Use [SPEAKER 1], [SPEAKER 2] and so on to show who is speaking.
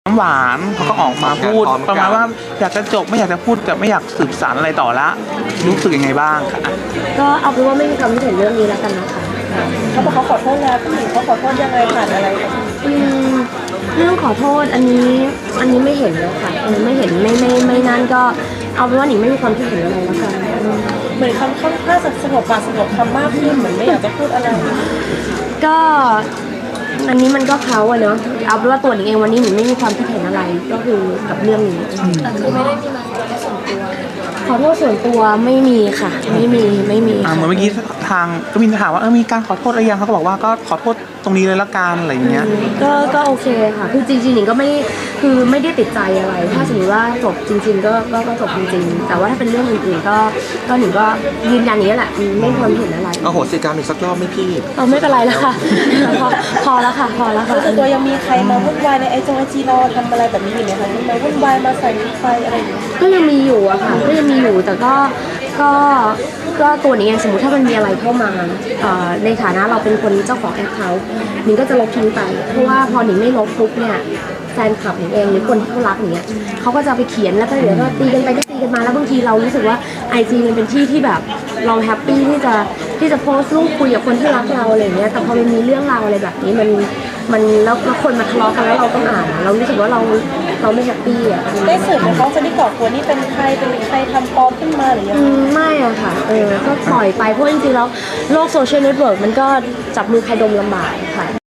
[SPEAKER 1] น้ำหวานเขาก็ออกมาพูดประมาณว่าอยากจะจบไม่อยากจะพูดแต่ไม่อยากสืบสานอะไรต่อละรู้สึกยังไงบ้างคะ
[SPEAKER 2] ก็เอาเป็นว่าไม่มีความคิดเห็นเรื่องนี้แล้วกันนะคะ
[SPEAKER 3] เขาบอกเขาขอโทษแล้วผู้หญิงเขาขอโทษยังไงผ่านอะไร
[SPEAKER 2] เรื่องขอโทษอันนี้ไม่เห็นแล้วค่ะไม่เห็นไม่นั่นก็เอาเป็นว่าหนิงไม่มีความคิดเห็นอะไรแล้วกัน
[SPEAKER 3] เหมือนคำค่อนข้างสงบปากสงบคำมากขึ้นเหมือนไม่อยากจะพูดอะไร
[SPEAKER 2] ก็อันนี้มันก็เขาอะเนาะเอาเป็นว่าตัวหนิงเองวันนี้หนิงไม่มีความคิดเห็นอะไรก็คือกับเรื่องนี้คือไม่ได้มีมาขอโทษส่วนตัวไม่มีค่ะไม่มี
[SPEAKER 1] เหมือนเมื่อกี้ทางก็มีถามว่ามีการขอโทษอะไรยังเขาก็บอกว่าก็ขอโทษตรงนี้เลยละกันอะไรอย่างเงี้ย
[SPEAKER 2] ก็โอเคค่ะคือจริงๆหนิงก็ไม่ได้คือไม่ได้ติดใจอะไรถ้าสมมติว่าจบจริงๆก็จบจริงๆแต่ว่าถ้าเป็นเรื่องอื่นๆก็หนิงก็ยืนยันนี้แหละไม่มีความเห็นอะไร
[SPEAKER 4] โหสิกรรมอีกสักรอบไหม่พี่
[SPEAKER 2] ไม่เป็นไรแล้วค่ะ พอแล้วค่ะ
[SPEAKER 3] แล้วส่วนตัวยังมีใครมาวุ่นวายในไอจีเราทำอะไรแบบนี้อยู่ไหมคะมาวุ่นวายมาใส่ไฟอะไรอย่างเงี้ย
[SPEAKER 2] ก็ยังมีอยู่อะค่ะก็ยังมีอยู่แต่ก็ตัวนี้เองสมมติถ้ามันมีอะไรเข้ามาในฐานะเราเป็นคนเจ้าของแอคเคาท์หนิงก็จะลบทิ้งไปเพราะว่าพอหนิงไม่ลบปุ๊บเนี่ยแฟนคลับหนิงเองหรือคนที่เขารักหนิงเนี่ยเขาก็จะไปเขียนแล้วก็เดี๋ยวก็ตีกันไปก็ตีกันมาแล้วบางทีเรารู้สึกว่า IG มันเป็นที่ที่แบบเราแฮปปี้ที่จะโพสต์รูปคุยกับคนที่รักเราอะไรอย่างเงี้ยแต่พอมันมีเรื่องราวอะไรแบบนี้มันแล้วคนมาทะเลาะกันแล้วเราต้องอ่านเรารู้สึกว่าเราไม่แฮปปี้อ่ะ
[SPEAKER 3] ได้สืบไหมคะจะได้ก่อตัวนี่เป็นใครทำปลอมขึ้นมาหรือยังไง
[SPEAKER 2] ไม่อะค่ะก็ปล่อยไปเพราะจริงๆแล้วโลกโซเชียลเน็ตเวิร์กมันก็จับมือใครดมลำบากค่ะ